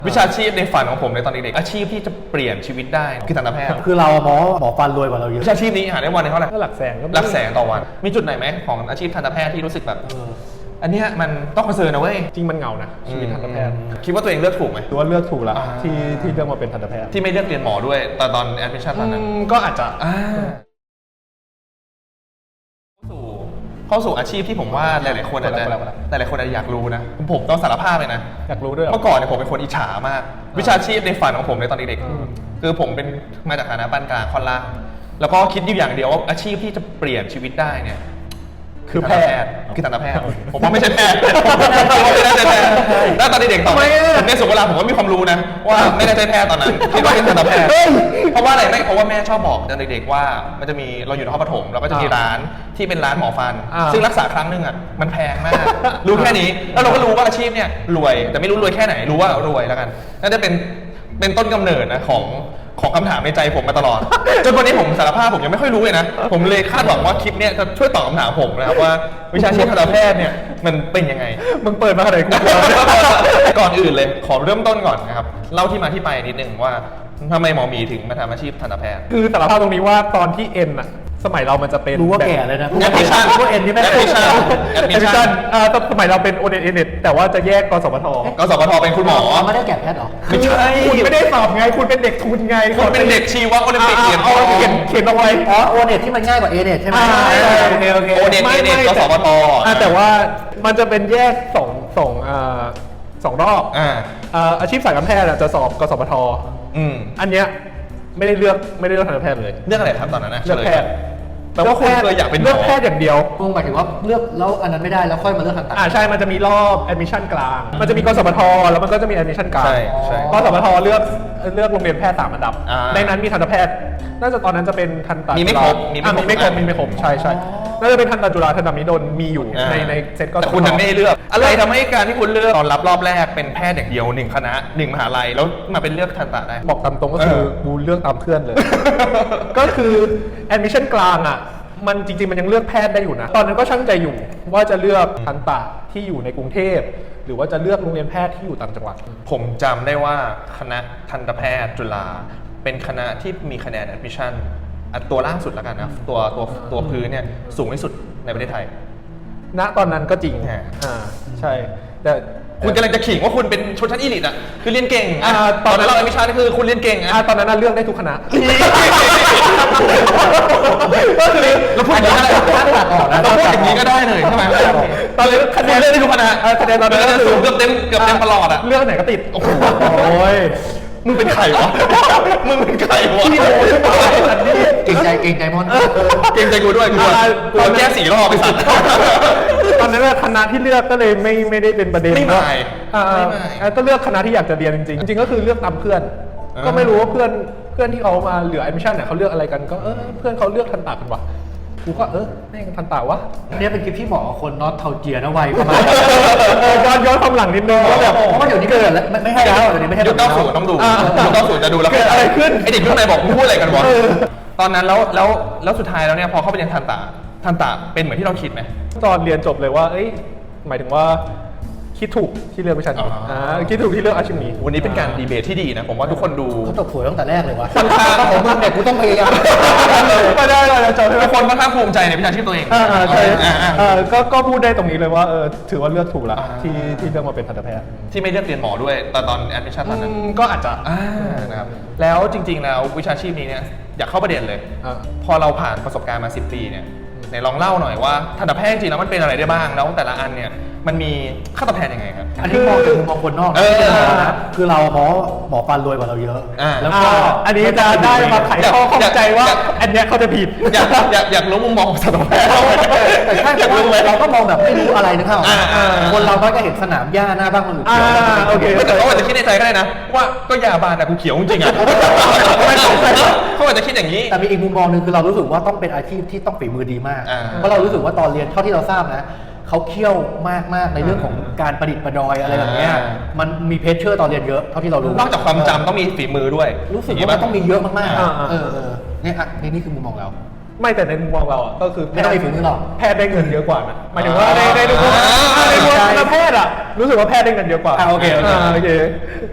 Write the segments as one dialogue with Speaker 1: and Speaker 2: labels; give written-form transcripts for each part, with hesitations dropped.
Speaker 1: วิชาชีพในฝันของผมในตอนเด็กๆอาชีพที่จะเปลี่ยนชีวิตได้คือทันตแพทย์
Speaker 2: คือเราหมอฟันรวยกว่าเราเยอะ
Speaker 1: วิชาชีพนี้หาได้วันเท่าไหร่
Speaker 3: ก็หลักแสนก็
Speaker 1: หลักแสนต่อวันมีจุดไหนไหมของอาชีพทันตแพทย์ที่รู้สึกแบบอันเนี้ยมันต้องคอนเซิร์นนะเว้ย
Speaker 3: จริงมันเหงานะชีวิตทันตแพทย์
Speaker 1: คิดว่าตัวเองเลือกถูกไหม
Speaker 3: ตัวเลือกถูกละที่เลือกมาเป็นทันตแพทย์
Speaker 1: ที่ไม่เลือกเรียนหมอด้วยตอนแอดมิชชั่นตอนนั้น
Speaker 3: ก็อาจจะ
Speaker 1: เข้าสู่อาชีพที่ผมว่าหลายๆคนอาจจะอยากรู้นะผมต้องสารภาพเลยนะ
Speaker 3: อยากรู้ด้วย
Speaker 1: เมื่อก่อนเนี่ยผมเป็นคนอิจฉามากวิชาชีพในฝันของผมในตอนเด็กๆคือผมเป็นมาจากฐานะปานกลางค่อนล่างแล้วก็คิดอยู่อย่างเดียวว่าอาชีพที่จะเปลี่ยนชีวิตได้เนี่ยคือแพทย์คือทันตแพทย์ผมว่าไม่ใช่แพทย์ไม่น่าจะแพทย์แล้วตอนเด็กๆต่อในสุขเวลาผมก็มีความรู้นะว่าไม่น่าจะแพทย์ตอนนั้นคิดว่าเป็นทันตแพทย์เพราะว่าอะไรไม่เพราะว่าแม่ชอบบอกตอนเด็กๆว่ามันจะมีเราอยู่ในห้องปฐมแล้วก็จะมีร้านที่เป็นร้านหมอฟันซึ่งรักษาครั้งนึงอ่ะมันแพงมากรู้แค่นี้แล้วเราก็รู้ว่าอาชีพเนี่ยรวยแต่ไม่รู้รวยแค่ไหนรู้ว่ารวยแล้วกันน่าจะเป็นต้นกำเนิดนะของคำถามในใจผมมาตลอดจนวันนี้ผมสารภาพผมยังไม่ค่อยรู้เลยนะผมเลยคาดหวังว่าคลิปเนี้ยจะช่วยตอบคำถามผมนะครับว่าวิชาชีพทันตแพทย์เนี่ยมันเป็นยังไง
Speaker 3: มึงเปิดมาอะไรกู
Speaker 1: ก่อนอื่นเลยขอเริ่มต้นก่อนนะครับเล่าที่มาที่ไปนิดนึงว่าทำไมหมอหมีถึงมาทำอาชีพทันตแพทย์
Speaker 3: คือสารภาพตรงนี้ว่าตอนที่เอ็นอะสมัยเรามันจะเป็น
Speaker 2: รู้ว่าแก่เลยนะ
Speaker 1: แอดมิชชั่น
Speaker 2: พวกเอ็นนี่ไม่
Speaker 1: แอดมิชชั่น
Speaker 3: สมัยเราเป็นโอเน็ตแต่ว่าจะแยกกสพท
Speaker 1: เป็นคุณหมอ
Speaker 2: ไม่ได้แก่แพทย์หรอ
Speaker 1: ไม่ใช่
Speaker 3: คุณไม่ได้สอบไงคุณเป็นเด็กทุนไง
Speaker 1: คุณเป็นเด็กชีวะโอลิมปิกเขียน
Speaker 3: เอาไว้
Speaker 2: โอเน็ตที่มันง่ายกว่าเอเน็ตใช่ไหม
Speaker 1: โอเน็ตกสพท
Speaker 3: แต่ว่ามันจะเป็นแยกสองรอบอาชีพสายการแพทย์จะสอบกสพทอันเนี้ยไม่ได้เลือกทันตแพทย์เลย
Speaker 1: เลือกอะไรครับตอนนั้นนะ
Speaker 3: เลือกแพทย์
Speaker 1: แต่ว่าคุณเคยอยากเป็นหมอ
Speaker 3: เลือกแพทย์อย่างเดียว
Speaker 2: คุณหมายถึงว่าเลือกแล้วอันนั้นไม่ได้แล้วค่อยมาเลือกทันต
Speaker 3: ใช่มันจะมีรอบแอดมิชชั่นกลางมันจะมีกสพทแล้วมันก็จะมีแอดมิชชั่นกลางกสพทเลือกโรงเรียนแพทย์3 อันดับในนั้นมีทันตแพทย์น่าจะตอนนั้นจะเป็นทันต
Speaker 1: มีไม่ครบ
Speaker 3: ใช่น่าจะเป็นทันตจุฬาทันตมหิดลมีอยู่ในเซตก็
Speaker 1: แต่คุณไม่ได้เลือกอะไรทำให้การที่คุณเลือกตอนรับรอบแรกเป็นแพทย์อย่างเดียว1 คณะ 1 มหาลัยแล้วมาเป็นเลือกทันตได้
Speaker 3: บอกตามตรงก็คือกูเลือกตามเพื่อนเลยก็คือแอดมิชชั่นกลางอ่ะมันจริงๆมันยังเลือกแพทย์ได้อยู่นะตอนนั้นก็ช่างใจอยู่ว่าจะเลือกทันตที่อยู่ในกรุงเทพหรือว่าจะเลือกโรงเรียนแพทย์ที่อยู่ต่างจังหวัด
Speaker 1: ผมจำได้ว่าคณะทันตแพทย์จุฬาเป็นคณะที่มีคะแนนแอดมิชชั่นตัวล่างสุดแล้วกันนะตัวพื้นเนี่ยสูงที่สุดในประเทศไทย
Speaker 3: ณตอนนั้นก็จริงใช่แต่
Speaker 1: คุณกำลังจะขิงว่าคุณเป็นชนชั้นอีลิทอ่ะคือเรียนเก่งตอนนั้นเราแอดมิชชั่นคือคุณเรียนเก่ง
Speaker 3: ตอนนั้นเลือกได้ทุกคณะ
Speaker 1: เราพูดอย่างนี้ก็ได้เลยใช่ไหมตอนนี้คะแนนเลือกได้ทุกคณะคะแนนตอนนั้นสูงเกือบเต็มตลอดอ่ะ
Speaker 3: เลือกไหนก็ติด
Speaker 1: โอ้ยมึงเป็นใครวะมึงเป็นใครวะ
Speaker 2: เก่งใจมอน
Speaker 1: เก่งใจกูด้วยกูแก้4 รอบไปสัตว์
Speaker 3: ตอนนั้นคณะที่เลือกก็เลยไม่ได้เป็นประเด็น
Speaker 1: ไม่
Speaker 3: ก็เลือกคณะที่อยากจะเรียนจริงๆก็คือเลือกตามเพื่อนก็ไม่รู้ว่าเพื่อนที่เขามาเหลือแอดมิชชั่นเนี่ยเขาเลือกอะไรกันก็เพื่อนเขาเลือกทันตะกันวะกูก็แม่งทันตะวะ
Speaker 2: นี่เป็นคลิปที่หมอคนน็อตเทาเจียนะวัยประมาณ
Speaker 3: ย้อนความหลังนิดนึง
Speaker 2: ว่าแบบเพราะว่าเดี๋ยวนี้เกิดแล้วไม่ให้แล้วเดี๋ยวนี้ไม่ให้
Speaker 1: ยุค90ต้องดูยุค90จะดูแล้ว
Speaker 3: อะไรขึ้น
Speaker 1: ไอเด็กรุ่นไหนบอกมึงพูดอะไรกันวะตอนนั้นแล้วสุดท้ายแล้วเนี่ยพอเข้าไปเรียนทันตะเป็นเหมือนที่เราคิดไหม
Speaker 3: ตอนเรียนจบเลยว่าหมายถึงว่าคิดถูกที่เลือกวิชานี้คิดถูกที่เลือกอาชีพนี้
Speaker 1: วันนี้เป็นการดีเบตที่ดีนะผมว่าทุกคนดู
Speaker 2: เขาตกสวยตั้งแต่แรกเลยวะผมมึงเนี่ยกูต้องพยายาม
Speaker 3: ไม่ได้เลย
Speaker 1: ทุกคนค่อนข้างภูมิใจในวิชาชีพตัวเอง
Speaker 3: ใช่ก็พูดได้ตรงนี้เลยว่าถือว่าเลือกถูกละที่เลือกมาเป็นทันตแพทย์
Speaker 1: ที่ไม่เลือกเรียนหมอด้วยตอนแอดมิชชั่นตอนนั้น
Speaker 3: ก็อาจจะ
Speaker 1: นะครับแล้วจริงๆแล้ววิชาชีพนี้เนี่ยอยากเข้าประเด็นเลยพอเราผ่านประสบการณ์มา10 ปีเนี่ยไหนลองเล่าหน่อยว่าทันตแพทย์จริงแล้วมันเป็นอะไรได้บ้างแล้วแต่ละอันเนี่ยมันมีค่าตอบแทนยังไงครับ
Speaker 2: อันนี้มองจากมุมมองคนนอกคือเราหมอฟันรวยกว่าเราเยอะ
Speaker 3: แล้วก็อันนี้จะได้มาไขข้อข้องใจว่าอันนี้เขาจะผิด
Speaker 1: อยากรู้มุมมองของทันตแพทย์
Speaker 2: แต่ถ้าเราก็มองแบบไม่รู้อะไรนะครับคนเราก็เห็นสนามหญ้าหน้าบ้านคนอื่น
Speaker 1: โอเคแต่เขาอาจจะคิดในใจก็ได้นะว่าก็ยาบานอะกูเขียวจริงๆอะเขาอาจจะคิดอย่างนี้
Speaker 2: แต่มีอีกมุมมองนึงคือเรารู้สึกว่าต้องเป็นอาชีพที่ต้องฝีมือดีมากเพราะเรารู้สึกว่าตอนเรียนเท่าที่เราทราบนะเขาเคี่ยวมากในเรื่องของการประดิษฐ์ประดอยอะไรแบบนี้มันมีเพชเชอร์ตอนเรียนเยอะเท่าที่เรารู้
Speaker 1: นอกจากความจำต้องมีฝีมือด้วย
Speaker 2: รู้สึกว่ามันต้องมีเยอะมากๆเนี่ยนี่คือมุมมองเรา
Speaker 3: ไม่แต่ในมุมมองเราอ่ะก็คือ
Speaker 2: ไม่ต้องมีฝีมือหรอก
Speaker 3: แพทย์ได้เงินเยอะกว่านะหมายถึงว่าในมุมแพทย์อ่ะรู้สึกว่าแพทย์ได้เงินเยอะกว่า
Speaker 2: โอเค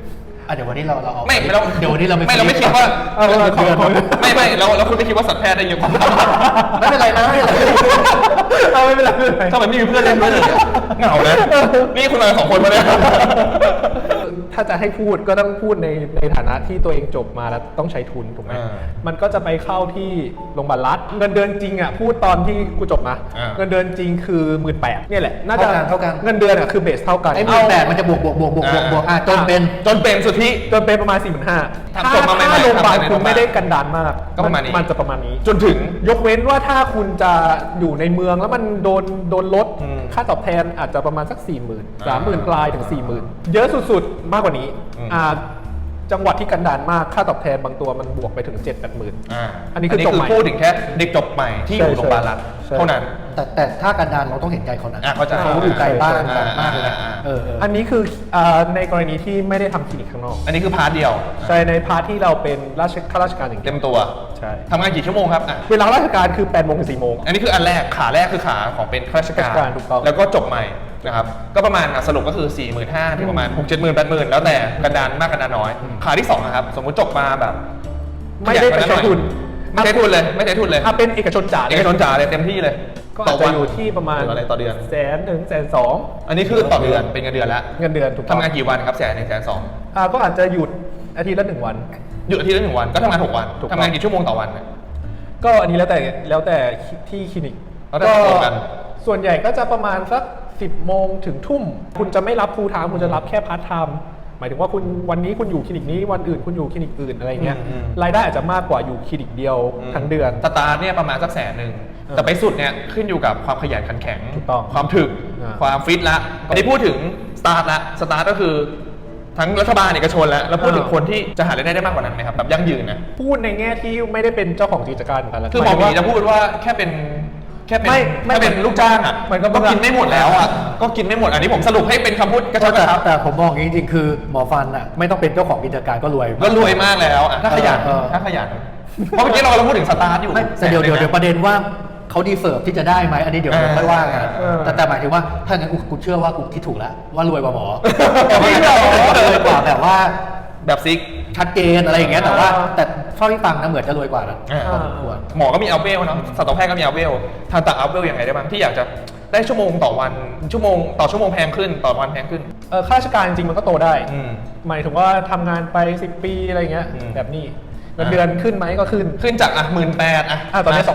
Speaker 2: เดี๋ยววันนี้เราเอา
Speaker 1: ไม่เรา
Speaker 2: เดี๋ยววันนี้เรา
Speaker 1: ไม่เราไม่คิดว่า
Speaker 3: เอาของ
Speaker 1: ไม่แล้วคุณไม่คิดว่าสัตวแพทย์ได้เยอะกว่า
Speaker 2: ไม่เป็นไรนะไม่เป็นไร
Speaker 3: เอาไม่เป็นไรไม่เป็นไร
Speaker 1: ทำไมไม่มีเพื่อนเล่นด้วยเลยเหงานะนี่คุณมา2 คนมาเนี่ย
Speaker 3: ถ้าจะให้พูดก็ต้องพูดในฐานะที่ตัวเองจบมาแล้วต้องใช้ทุนถูกไหม
Speaker 1: อ่า
Speaker 3: มันก็จะไปเข้าที่โรงพยาบาลรัฐเงินเดือนจริงอ่ะพูดตอนที่กูจบมา
Speaker 1: อ่า
Speaker 3: เงินเดือนจริงคือ 18,000เนี่ยแหละน่าจะ
Speaker 2: เท่ากัน
Speaker 3: เงินเดือนอ่ะคือเบสเท่ากัน
Speaker 2: ไอ้18,000มันจะบวกจนเป็น
Speaker 1: สุทธิ
Speaker 3: จนเป็นประมาณ 45,000
Speaker 1: ทำจบมาใหม่ๆ
Speaker 3: ถ้าโรงพยาบาล
Speaker 1: ทำในโร
Speaker 3: คุ
Speaker 1: ง
Speaker 3: ณ
Speaker 1: พยาบาล
Speaker 3: ไม่ได้กันดานมาก
Speaker 1: ก็ประมาณนี้
Speaker 3: มันจะประมาณนี้
Speaker 1: จนถึง
Speaker 3: ยกเว้นว่าถ้าคุณจะอยู่ในเมืองแล้วมันโดนลด
Speaker 1: อืม
Speaker 3: ค่าตอบแทนอาจจะประมาณสัก 40,000 30,000 ปลายถึง 40,000 เยอะสุดๆ มากกว่านี้
Speaker 1: อืม
Speaker 3: จังหวัดที่กันดานมากค่าตอบแทนบางตัวมันบวกไปถึง 7-8 หมื่น อันนี้คือจบใหม่
Speaker 1: พูดถึงแค่เด็กจบใหม่ที่อยู่โรงพยาบาลรัฐ
Speaker 3: ใช่
Speaker 1: เท่านั้น
Speaker 2: แต่ถ้ากันดานเราต้องเห็นใจเขานะ
Speaker 1: เข้าใจ
Speaker 2: เขาอยู่ไกลบ้าน
Speaker 1: อ่า
Speaker 2: มากเลยนะ
Speaker 1: อ่า
Speaker 3: อันนี้คือในกรณีที่ไม่ได้ทำคลินิกข้างนอก
Speaker 1: อันนี้คือพาร์ทเดียว
Speaker 3: ใช่ในพาร์ทที่เราเป็นข้าราชการอย่างเดี
Speaker 1: เต็
Speaker 3: ยว
Speaker 1: มตัว
Speaker 3: ใช่
Speaker 1: ทำงานกี่ชั่วโมงครับอ่ะ
Speaker 3: เวลาราชการคือ8 โมงถึง 4 โมง
Speaker 1: อันนี้คืออันแรกขาแรกคือขาของเป็นข้าราช
Speaker 3: ข้าราชการถูกต้อง
Speaker 1: แล้วก็จบใหม่นะครับก็ประมาณสรุปก็คือ 45,000ถึงประมาณ 6-70,000 80,000 แล้วแต่กันดานมากกันดานน้อย ขาที่2นะครับสมมุติจบมาแบบ
Speaker 3: ไม่ได้ไปใช้ทุน
Speaker 1: ไม่ใช้ทุนเลยไม่ใช้ทุนเลย
Speaker 3: ถ้าเป็นเอกชนจ๋า
Speaker 1: เอกชนจ๋าเลยเต็มที่เลย
Speaker 3: ก็อาจจะอยู่ที่ประมาณ
Speaker 1: หรืออะไรต่อเดือน
Speaker 3: 100,000 ถึง 120,000
Speaker 1: อันนี้คือต่อเดือนเป็นเงินเดือนแล้ว
Speaker 3: เงินเดือนถูกต้อง
Speaker 1: ทำงานกี่วันครับ100,000 120,000
Speaker 3: ก็อาจจะหยุดอาทิตย์ละ1 วัน
Speaker 1: หยุดอาทิตย์ละ1 วันก็ทำงาน6 วัน
Speaker 3: ถูกต้อง
Speaker 1: ทำงานกี่ชั่วโมงต่อวันเนี่ย
Speaker 3: ก็อันนี้แล้วแต่ที่คลินิก
Speaker 1: แล้วแต่ตรงกัน
Speaker 3: ส่วนใหญ่ก็จะประมาณสัก10 โมงถึงทุ่ม คุณจะไม่รับฟูลไทม์คุณจะรับแค่พาร์ทไทม์หมายถึงว่าคุณวันนี้คุณอยู่คลินิกนี้วันอื่นคุณอยู่คลินิกอื่นอะไรเงี้ยรายได้อาจจะมากกว่าอยู่คลินิกเดียวทั้งเดือน
Speaker 1: สตาร์ทเนี่ยประมาณสัก100,000แต่ไปสุดเนี่ยขึ้นอยู่กับความขยันขันแข็ง
Speaker 3: ถูกต้อง
Speaker 1: ความถึก
Speaker 3: อ่า
Speaker 1: ความฟิตละอันนี้พูดถึงสตาร์ทละสตาร์ทก็คือทั้งรัฐบาลเอกชนแล้วพูดถึงคนที่จะหารายได้ได้มากกว่านั้นไหมครับแบบยั่งยืนนะ
Speaker 3: พูดในแง่ที่ไม่ได้เป็นเจ้าของกิจการเหมือนกันแล้ว
Speaker 1: คือหมอหมีจะพูดว่าแค่เป็นแค่เป็นลูกจ้างอ่ะ
Speaker 3: มันก็
Speaker 1: กินไม่หมดแล้วอ่ะก็กินไม่หมดอันนี้ผมสรุปให้เป็นคำพูดกระชับกระชับ
Speaker 2: แต่ผมมองอย่างนี้จริงๆคือหมอฟันอ่ะไม่ต้องเป็นเจ้าของกิจการก็รวย
Speaker 1: ก็รวยมากแล้วอ่ะถ้าขยัน
Speaker 2: เออ
Speaker 1: ถ้าขยันเพราะเมื่อกี้เราพูดถึงสตาร์ทอยู่
Speaker 2: ไม่แต่เดี๋ยวประเด็นว่าเขาดีเซิร์ฟที่จะได้ไหมอันนี้เดี๋ยวค่อยว่ากันแต่หมายถึงว่าถ้างั้นกูเชื่อว่ากูคิดถูกแล้วว่ารวยกว่าหมอรวยกว่าแบบว่า
Speaker 1: แบบซิก
Speaker 2: ชัดเจนอะไรอย่างเงี้ยแต่ว่าแต่เท่าที่ฟังนะเหมือนจะรวยกว่านะ
Speaker 1: อ่า
Speaker 2: พอสมควร
Speaker 1: หมอก็มีอัลเวลเนาะสัตวแพทย์ก็มีอัลเวลทันตะอัลเวลยังไงได้บ้างที่อยากจะได้ชั่วโมงต่อวันชั่วโมงต่อชั่วโมงแพงขึ้นต่อวันแพงขึ้น
Speaker 3: ข้าราชการจริงๆมันก็โตได้
Speaker 1: อืม
Speaker 3: หมายถึงว่าทำงานไป10 ปีอะไรเงี้ย
Speaker 1: อืม
Speaker 3: แบบนี้เงินเดือนขึ้นไหมก็ขึ้น
Speaker 1: ขึ้นจาก18,000
Speaker 3: ตอนนี้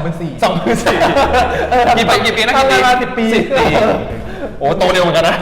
Speaker 1: 24,000กี่ปีนะ
Speaker 3: ทำงานมา10 ปี
Speaker 1: 10 ปีโอ้โตเร็วเหมือนกันนะ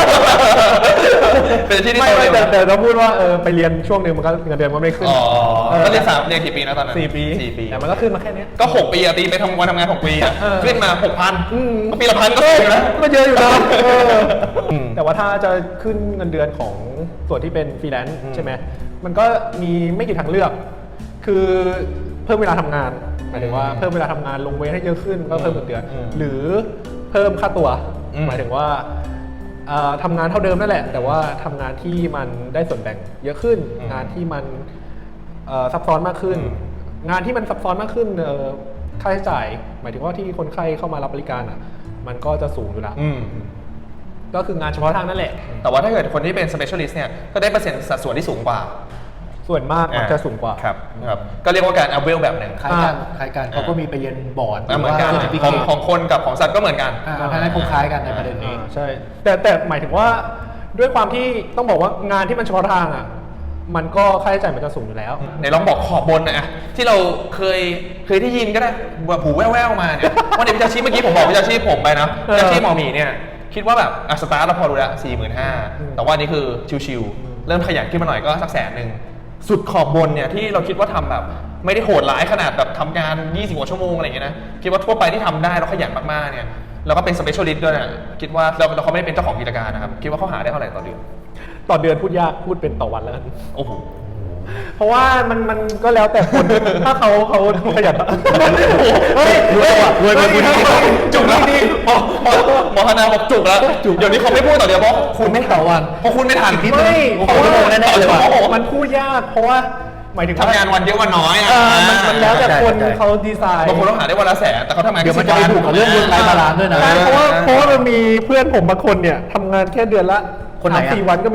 Speaker 1: เป็นที่ที่
Speaker 3: ไม่
Speaker 1: โตเร็ว
Speaker 3: แต่ต้องพูดว่าไปเรียนช่วงหนึ่งมันก็เงินเดือนมันไม่ขึ้น
Speaker 1: อ๋อก็เรียนเรียนกี่ปีนะตอนนั้น
Speaker 3: 4 ปี
Speaker 1: 4 ปี
Speaker 3: แต่มันก็ขึ้นมาแค่เนี้ย
Speaker 1: ก็6 ปีอะตีไปทำงาน6 ปีอะ
Speaker 3: เออ
Speaker 1: ขึ้นมา 6,000ก็ปีละ1,000ก็สูงนะ
Speaker 3: ก็เยอะอยู่นะ
Speaker 1: อืม
Speaker 3: แต่ว่าถ้าจะขึ้นเงินเดือนของส่วนที่เป็นฟรีแลนซ์ใช่ไหมมันก็มีไม่กี่ทางเลือก คือเพิ่มเวลาทำงานหมายถึงว่าเพิ่มเวลาทำงานลงเวทให้เยอะขึ้นก็เพิ่มเงินเดือน หรือเพิ่มค่าตัว หมายถึงว่าทำงานเท่าเดิมนั่นแหละ แต่ว่าทำงานที่มันได้ส่วนแบ่งเยอะขึ้น งานที่มันซับซ้อนมากขึ้น งานที่มันซับซ้อนมากขึ้นค่าใช้จ่าย หมายถึงว่าที่คนไข้เข้ามารับบริการอ่ะมันก็จะสูงอยู่แล้ว
Speaker 1: อืม
Speaker 3: ก็คืองานเฉพาะทางนั่นแหละ
Speaker 1: แต่ว่าถ้าเกิดคนที่เป็น specialist เนี่ยก็ได้เปอร์เซ็นต์สัดส่วนที่สูงกว่า
Speaker 3: ส่วนมากมันจะสูงกว่า
Speaker 1: ครับก็เรียกว่าการอัพเวลแบบหนึ่ง
Speaker 2: คล้ายกันเขาก็มีไปเรียนบอร์ด
Speaker 1: เหมือนกัน
Speaker 2: หรืว่า
Speaker 1: ของคนกับของสัตว์ก็เหมือนกัน
Speaker 2: ทางนั้นคงคล้ายกันในประเด็นนี้
Speaker 3: ใช่ แต่หมายถึงว่าด้วยความที่ต้องบอกว่างานที่มันเฉพาะทางอ่ะมันก็ค่าใช้จ่ายมันจะสูงอยู่แล้ว
Speaker 1: ในลองบอกขอบบนนะที่เราเคยได้ยินก็ได้แบบหูแว่วๆมาเนี่ยว่าในวิชาชีพเมื่อกี้ผมบอกวิชาชีพผมไปนะวิชาชีพหมอหมีเนี่ยคิดว่าแบบสตาร์ทเราพอรู้แล้ว45,000แต่ว่านี่คือชิวๆเริ่มขยันขึ้นมาหน่อยก็สัก100,000สุดขอบบนเนี่ยที่เราคิดว่าทำแบบไม่ได้โหดร้ายขนาดแบบทำงาน20 กว่าชั่วโมงอะไรอย่างเงี้ยนะคิดว่าทั่วไปที่ทำได้แล้วขยันมากๆเนี่ยแล้วก็เป็น specialist ด้วยนะคิดว่าเราเขาไม่ได้เป็นเจ้าของกิจการนะครับคิดว่าเขาหาได้เท่าไหร่ต่อเดือน
Speaker 3: ต่อเดือนพูดยากพูดเป็นต่อวันแล้วกัน
Speaker 1: โอ้โห
Speaker 3: เพราะว่ามันก็แล้วแต่คน ถ้าเขาขยันเฮ้ย
Speaker 2: รวยคุณ
Speaker 1: จุกแล้วหมอธนาบอกจุกแล้วเดี๋ยวนี้เขาไม่พูดต่อเดียวเพราะคุณไม่
Speaker 2: ต่อวัน
Speaker 1: เพราะคุณไม่ทัน
Speaker 3: ไม่
Speaker 2: โอ้โหชั่วโมงแน่ๆเลยว่ะ
Speaker 3: มันพูดยากเพราะว่าหมายถึง
Speaker 1: ทำงานวันเยอะวันน้อยอ่ะ
Speaker 3: มันแล้วแต่คน
Speaker 2: ใช่
Speaker 3: เขาดีไซน์
Speaker 1: บางคนต้องหาได้วันละ100,000แต่เขาทำงาน
Speaker 2: เดี๋ยวมันจะไปถูกกับเรื่องเงินรายบาลานซ์ด้วยนะ
Speaker 3: ใช่เพราะว่ามันมีเพื่อนผมบางคนเนี่ยทำงานแค่เดือนละ
Speaker 2: คนไหนอะ
Speaker 3: 3-4 วันก็มี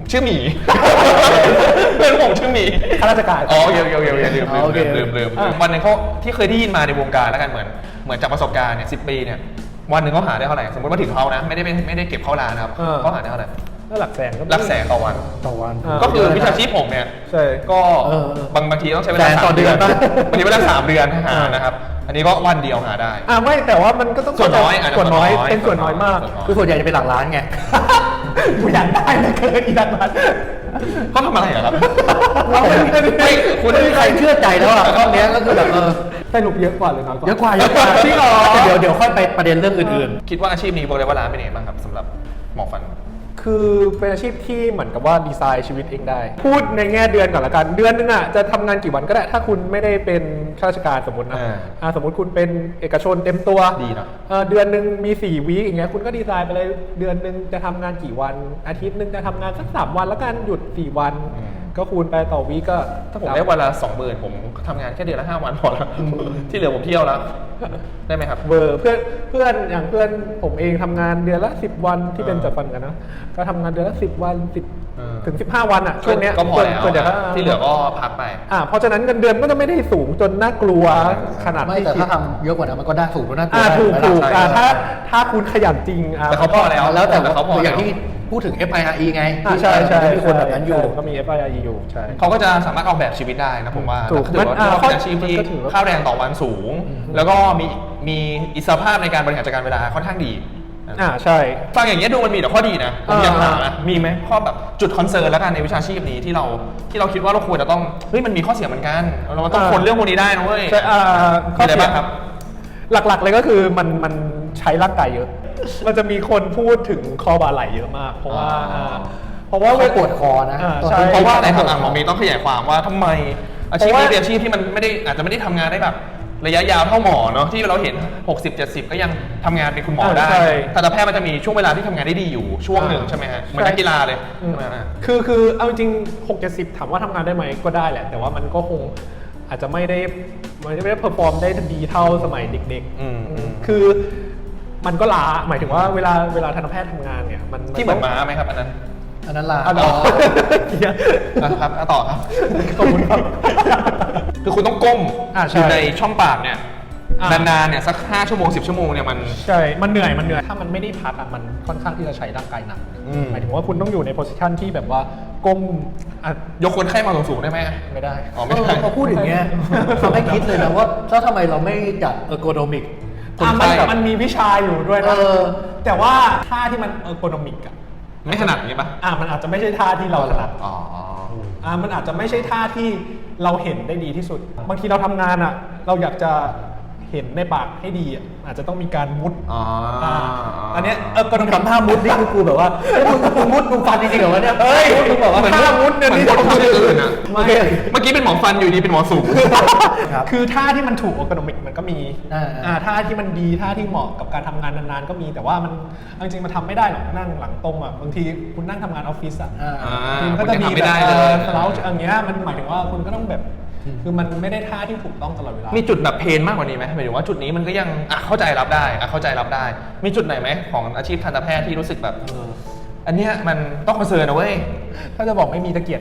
Speaker 1: ชื่อหมี เพื่อนผมชื่อหมี
Speaker 3: ข้าราชการ
Speaker 1: อ๋อเดี๋ยวลืม
Speaker 2: โอเค
Speaker 1: วันหนึงเขาที่เคยได้ยินมาในวงการแล้วกันเหมือนจากประสบการณ์เนี่ย10 ปีเนี่ยวันหนึ่งเขาหาได้เท่าไหร่สมมติว่าถึงเขานะไม่ได้เก็บเข้าร้านนะครับเขาหาได้เท่าไหร่
Speaker 3: ก็หลักแสนก็
Speaker 1: หลักแสนต่อวัน
Speaker 2: ต่อวัน
Speaker 1: ก็คือวิชาชีพผมเนี่ย
Speaker 3: ใช่
Speaker 1: ก็
Speaker 2: เออ
Speaker 1: บางทีต้องใช้เวลา
Speaker 2: แสนต่อ
Speaker 1: 3 เดือน
Speaker 2: เดือนปะ
Speaker 1: บางทีเวลา3 เดือนหานะครับ อันนี้ก็วันเดียวหาได้
Speaker 3: ไม่แต่ว่ามันก็ต้อง
Speaker 1: ส่วนน้อย
Speaker 3: ส่วนน้อย
Speaker 1: ส่วนน้อย
Speaker 3: เป็นส่วนน้อยมาก
Speaker 2: คือส่วนใหญ่จะเป็นหลักล้านไง
Speaker 3: กูอยากได้เลยเกินอีดันมัน
Speaker 1: เขาทำอะไรอะครับ
Speaker 2: ไม่คุณไม่มีใครเชื่อใจแล้วอ่ะรอบเนี้ยก็คือแบบ
Speaker 3: สรุปเยอะกว่าหรือน้อยกว่า
Speaker 2: เยอะกว่าจริงเหรอเดี๋ยวค่อยไปประเด็นเรื่องอื่น
Speaker 1: คิดว่าอาชีพนี้บอกเลยว่าร้านเป็นยังไงบ้างครับสำหรับหมอฟัน
Speaker 3: คือเป็นอาชีพที่เหมือนกับว่าดีไซน์ชีวิตเองได้ พูดในแง่เดือนก่อนละกัน เดือนนึงอ่ะจะทำงานกี่วันก็ได้ ถ้าคุณไม่ได้เป็นข้าราชการสมมตินะสมมติคุณเป็นเอกชนเต็มตัว
Speaker 1: ดีเนอะ
Speaker 3: เดือนหนึ่งมี4 วีคอย่างเงี้ยคุณก็ดีไซน์ไปเลยเดือนหนึ่งจะทำงานกี่วัน อาทิตย์หนึ่งจะทำงานสัก3 วันแล้วกันหยุด4 วัน ก็คูณไปต่อวีคก็
Speaker 1: ถ้าผมได้วันละ 20,000ผมทำงานแค่เดือนละ5 วันพอแล้วที่เหลือผมเที่ยวแล้วได้ไหมครับ
Speaker 3: เบอร์เพื่อนอย่างเพื่อนผมเองทำงานเดือนละ10 วันที่เป็นจัดฟันกันนะก็ทำงานเดือนละ10 วัน10 ถึง 15 วันอ่ะช่วงเนี้ย
Speaker 1: ก็พอแล้ว
Speaker 3: ส่วนใหญ่ก็
Speaker 1: ที่เหลือก็พักไป
Speaker 3: เพราะฉะนั้นเงินเดือนก็จะไม่ได้สูงจนน่ากลัวขนาด
Speaker 2: ๆไม่
Speaker 3: ที่
Speaker 2: แต่
Speaker 3: คิด
Speaker 2: ถ้าทำเยอะกว่านั้นมันก็ได้สูงก็น่ากลัว
Speaker 3: ถูก
Speaker 2: ได้
Speaker 3: ถูก
Speaker 2: ได้
Speaker 3: ถ้าคุณขยันจริง
Speaker 1: แต่เขาพอแล้ว
Speaker 2: แล้วแต่
Speaker 1: เขาพอ
Speaker 2: อ
Speaker 1: แล้
Speaker 2: ย่าง
Speaker 1: ว
Speaker 2: ที่พูดถึง FIRE ไงที่
Speaker 3: ใช่ใช่
Speaker 2: มีคนแบบนั้นอยู่
Speaker 3: ก็มี FIRE อยู่ใช่
Speaker 1: เขาก็จะสามารถออกแบบชีวิตได้นะผมว่า
Speaker 3: ถูก
Speaker 1: ถือว่า
Speaker 3: มัน
Speaker 1: เป็นอาชีพที่
Speaker 3: มันก็ถือว่า
Speaker 1: ค่าแรงต่อวันสูง แล้วก็มีอิสรภาพในการบริหารจัดการเวลาค่อนข้างดี
Speaker 3: ใช่
Speaker 1: ฟังอย่างนี้ยดูมันมีแต่ข้อดีนะผมอยากถามนะมีไหมข้อแบบจุดคอนเซิร์นแล้วกันในวิชาชีพนี้ที่เราคิดว่าเราควรจะต้องเฮ้ยมันมีข้อเสียเหมือนกันเราต้องคนเรื่องพวกนี้ได้นะเว้ย
Speaker 3: ใช่
Speaker 1: มีอะไรบ้างครับ
Speaker 3: หลักๆเลยก็คือมันใช้ร่างกายเยอะ มันจะมีคนพูดถึงคอบ่าไหล่เยอะมาก เพราะว่า
Speaker 2: เขาปวดคอนะ
Speaker 3: ใช่
Speaker 1: เพราะว่าอะไรครับหมอมีต้องขยายความว่าทำไมอาชีพนี้เป็นอาชีพที่มันไม่ได้อาจจะไม่ได้ทำงานได้แบบระยะยาวเท่าหมอเนาะที่เราเห็น 60-70 ก็ยังทำงานเป็นคุณหมอได้
Speaker 3: ใช่
Speaker 1: ทันตแพทย์มันจะมีช่วงเวลาที่ทำงานได้ดีอยู่ช่วงหนึ่งใช่ไหมฮะเหมือนนักกีฬาเลย
Speaker 3: คือเอาจริง6-70ถามว่าทำงานได้ไหมก็ได้แหละ แต่ว่ามันก็คงอาจจะไม่ได้เพอร์ฟอร์มได้ดีเท่าสมัยเด็กๆคือมันก็ล้าหมายถึงว่าเวลาทันตแพทย์ทำงานเนี่ยมัน
Speaker 1: ที่เหมือนม้าไหมครับอันนั้น
Speaker 2: อันนั้นล่ะ
Speaker 3: อ๋อ
Speaker 1: ครับต่อครับ
Speaker 3: ขอบคุณครับ
Speaker 1: คือคุณต้องก้ม
Speaker 3: ใช่
Speaker 1: อยู่ในช่องปากเนี่ยนานๆเนี่ยสัก5 ชั่วโมง 10 ชั่วโมงเนี่ยมัน
Speaker 3: ใช่ มันเหนื่อยถ้ามันไม่ได้พักมันค่อนข้างที่จะใช้ร่างกายหนักหมายถึงว่าคุณต้องอยู่ในโพสิชันที่แบบว่าก้ม
Speaker 1: ยกคนไข้มาสูงๆได้ไหม
Speaker 3: ไม่ได้
Speaker 1: อ๋อไม่ได้
Speaker 2: พอพูดอย่างเงี้ยทำให้คิดเลยนะว่าแล้วทำไมเราไม่จัดเออร์โกนอมิก
Speaker 3: มันมีวิชาอยู่ด้วยนะแต่ว่าท่าที่มันเออร์โกนอมิกอะ
Speaker 1: ไม่ถนัดอย่างนี้ปะ
Speaker 3: มันอาจจะไม่ใช่ท่าที่เราถนัด
Speaker 1: อ๋อ
Speaker 3: มันอาจจะไม่ใช่ท่าที่เราเห็นได้ดีที่สุด บางทีเราทำงานเราอยากจะเห็นในปากให้ดีอาจจะต้องมีการมุดอันเนี้ย
Speaker 2: ก็ต้องทำท่ามุดนี่คือกูแบบว่ามึงมุดมึงฟันจริงๆเหรอวะเนี่ยเฮ้ยมึงบอกว่า
Speaker 3: ท่ามุดเนี่ยนี่
Speaker 1: ต้องทำอย่างอื่นอะ
Speaker 2: โอเค
Speaker 1: เมื่อกี้เป็นหมอฟันอยู่ดีเป็นหมอสูง
Speaker 3: คือท่าที่มันถูกออร์โกนอมิกมันก็มีท่าที่มันดีท่าที่เหมาะกับการทำงานนานๆก็มีแต่ว่ามันจริงๆมันทำไม่ได้หรอกนั่งหลังตรงบางทีคุณนั่งทำงานออฟฟิศมันก็จะมีแบบสเลาช์อย่างเงี้ยมันหมายถึงว่าคุณก็ต้องแบบคือมันไม่ได้ท่าที่ถูกต้องตลอดเวลามี
Speaker 1: จุดแบบเพนมากกว่านี้ไหมหมายถึงว่าจุดนี้มันก็ยังเข้าใจรับได้เข้าใจรับได้ มีจุดไหนไหมของอาชีพทันตแพทย์ที่รู้สึกแบบอันเนี้ยมันต้องคอนเซิร์นนะเว้ย
Speaker 3: ถ้าจะบอกไม่มีตะเกียบ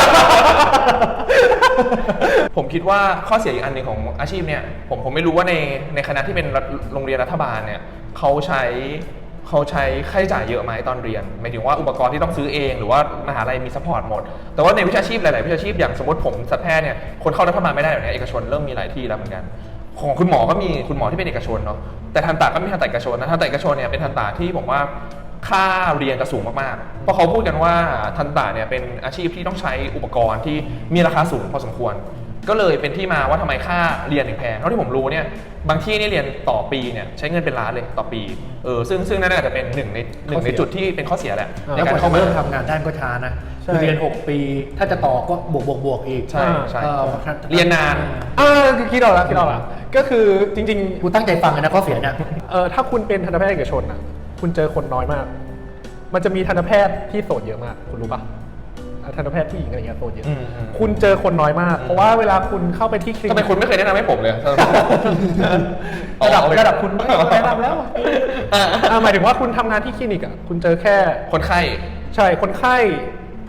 Speaker 1: ผมคิดว่าข้อเสียอีกอันหนึ่งของอาชีพเนี่ยผมไม่รู้ว่าในคณะที่เป็นโรงเรียนรัฐบาลเนี่ยเขาใช้ค่าใช้จ่ายเยอะไหมตอนเรียนหมายถึงว่าอุปกรณ์ที่ต้องซื้อเองหรือว่ามหาลัยมีซัพพอร์ตหมดแต่ว่าในวิชาชีพหลายๆวิชาชีพอย่างสมมติผมสัตวแพทย์เนี่ยคนเข้ารัฐบาลไม่ได้แบบนี้เอกชนเริ่มมีหลายที่แล้วเหมือนกันของคุณหมอก็มีคุณหมอที่เป็นเอกชนเนาะแต่ทันตะก็มีทันตะเอกชนนะทันตะเอกชนเนี่ยเป็นทันตะที่ผมว่าค่าเรียนจะสูงมากๆเพราะเขาพูดกันว่าทันตะเนี่ยเป็นอาชีพที่ต้องใช้อุปกรณ์ที่มีราคาสูงพอสมควรก็เลยเป็นที่มาว่าทำไมค่าเรียนถึงแพงเท่าที่ผมรู้เนี่ยบางที่นี่เรียนต่อปีเนี่ยใช้เงินเป็นล้านเลยต่อปีซึ่งนั่นอาจจะเป็นหนึ่งในจุดที่เป็นข้อเสียแหละใน
Speaker 2: แล้ว
Speaker 1: การ
Speaker 2: พอ
Speaker 1: เข้ามา
Speaker 2: เริ่มทำงานด้านก็ช้านะคือเรียน6 ปีถ้าจะต่อก็บวกอีก
Speaker 1: ใช่เรียนนาน
Speaker 3: คิดออกแล้วก็คือจริง
Speaker 2: กูตั้งใจฟังเลยนะข้อเสียเนี่ย
Speaker 3: ถ้าคุณเป็นทันตแพทย์เอกชนคุณเจอคนน้อยมาก มันจะมีทันตแพทย์ที่โสดเยอะมากคุณรู้ปะทันตแพทย์ผู้หญิงอะไรเงี้ยโสดเยอะคุณเจอคนน้อยมากเพราะว่าเวลาคุณเข้าไปที่คลินิก
Speaker 1: ทำไมคุณไม่เคยแนะนำให้ผมเลย
Speaker 3: ระดับคุณแนะนำแล้วหมายถึงว่าคุณทำงานที่คลินิกคุณเจอแค่
Speaker 1: คนไข้
Speaker 3: ใช่คนไข้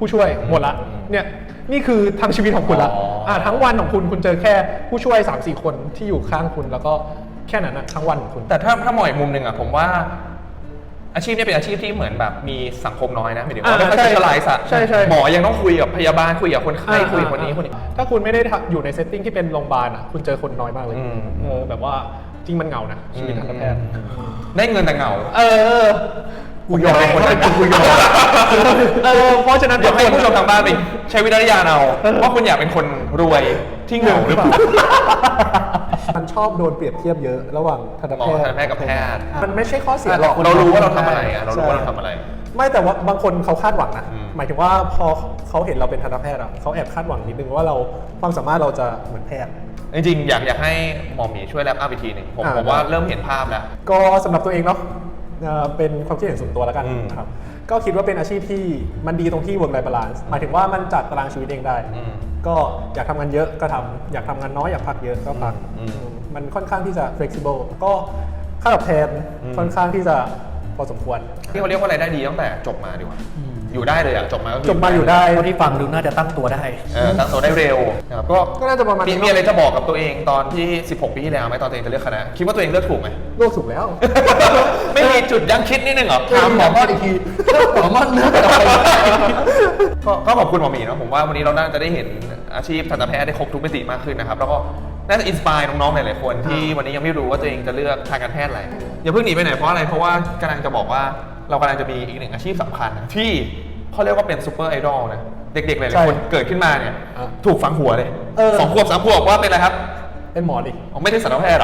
Speaker 3: ผู้ช่วยหมดละเนี่ยนี่คือทั้งชีวิตของคุณละทั้งวันของคุณเจอแค่ผู้ช่วย 3-4 คนที่อยู่ข้างคุณแล้วก็แค่นั้นนะทั้งวันของคุณ
Speaker 1: แต่ถ้ามองอีกมุมหนึ่งอะผมว่าอาชีพนี้เป็นอาชีพที่เหมือนแบบมีสังคมน้อยนะหมายถึงว่าไม่ค่อยสเปเชียลไลซ์อะ
Speaker 3: ใช่
Speaker 1: หมอยังต้องคุยกับพยาบาลคุยกับคนไข้คุยกับคนนี้คนนี้
Speaker 3: ถ้าคุณไม่ได้อยู่ในเซตติ้งที่เป็นโรงพยาบาลอ่ะคุณเจอคนน้อยมากเลยแบบว่าจริงมันเหงานะชีวิตทันตแพทย์
Speaker 1: ได้เงินแต่เหงา
Speaker 3: กูยอม
Speaker 1: เป็นคนนั้นกูยอม
Speaker 3: เพราะฉะนั้น
Speaker 1: เดี๋ยวให้ผู้ชมทางบ้านไปใช้วิจารณญาณเอาว่าคุณอยากเป็นคนรวยที่เหงาหรือเปล่า
Speaker 3: มันชอบโดนเปรียบเทียบเยอะระหว่างทันต
Speaker 1: หมอ
Speaker 3: แพทย์
Speaker 1: ทันตแพทย์กับแพทย์
Speaker 3: มันไม่ใช่ข้อเสียหรอก
Speaker 1: เรารู้ว่าเราทำอะไรอะเรารู้ว่าเราทำอะไร
Speaker 3: ไม่แต่ว่าบางคนเขาคาดหวังนะ
Speaker 1: อืม
Speaker 3: หมายถึงว่าพอเขาเห็นเราเป็นทันตแพทย์อ่ะเขาแอบคาดหวังนิดนึงว่าเราความสามารถเราจะเหมือนแพทย์
Speaker 1: จริงๆอยากให้หมอหมีช่วยแลปอัพอีกทีหนึ่งผมว่าเริ่มเห็นภาพแล้ว
Speaker 3: ก็สำหรับตัวเองเนาะเป็นความคิดเห็นส่วนตัวแล้วกัน
Speaker 1: อืม
Speaker 3: นะครับก็คิดว่าเป็นอาชีพที่มันดีตรงที่ work life balance หมายถึงว่ามันจัดตารางชีวิตเองได้ ก็อยากทำงานเยอะก็ทำอยากทำงานน้อยอยากพักเยอะก็พักมันค่อนข้างที่จะ flexible ก็ค่าตอบแทนค่อนข้างที่จะพอสมควร
Speaker 1: ที่เขาเรียกว่ารายได้ดีตั้งแต่จบมาดีกว่าอยู่ได้เลยอะจบมาก็คื
Speaker 3: จบมาอยู่ได้
Speaker 2: เท่าที่ฟังดูน่าจะตั้งตัวได้
Speaker 1: ตั้งตัวได้เร็วนะครับก็
Speaker 3: ก็น่าจะประมาณนี้
Speaker 1: มีอะไรจะบอกกับตัวเองตอนที่ 16 ปีที่แล้วไหมตอนตัวเองจะเลือกคณะคิดว่าตัวเองเลือกถูกไหม
Speaker 3: โลกถูกแล้ว
Speaker 1: ไม่มีจุดยั้งคิดนิดนึงเหรอ
Speaker 2: ถามหมอมอดอีกทีหมอมอดเลือกอะไร
Speaker 1: ก็ขอบคุณหมอหมีเนาะผมว่าวันนี้เราน่าจะได้เห็นอาชีพทันตแพทย์ได้ครบทุกมิติมากขึ้นนะครับแล้วก็น่าจะอินสปายน้องๆหลายๆคนที่วันนี้ยังไม่รู้ว่าตัวเองจะเลือกทางการแพทย์อะไรอย่าเพิ่งหนีไปไหนเพราะอะไรเพราะว่ากำลังจะบอกว่าเรากำลังจะมีอีกหนึ่งอาชีพสำคัญนะที่เขาเรียกว่าเป็นซูเปอร์ไอดอลนะเด็กๆหลายๆคนเกิดขึ้นมาเนี่ยถูกฝังหัวเลย2 ขวบ 3 ขวบว่าเป็นอะไรครับ
Speaker 3: เป็นหมอดิ
Speaker 1: อ๋อไม่ใช่สัตวแพทย์หรอ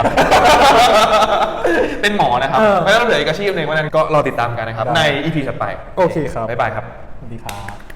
Speaker 1: เป็นหมอนะครับแล้วก็เหลืออีกอาชีพหนึ่งวันนั้นก็รอติดตามกันนะครับใน EP ถัดไป
Speaker 3: โอเคครับ
Speaker 1: บ๊ายบายครับ
Speaker 3: สวัสดีครับ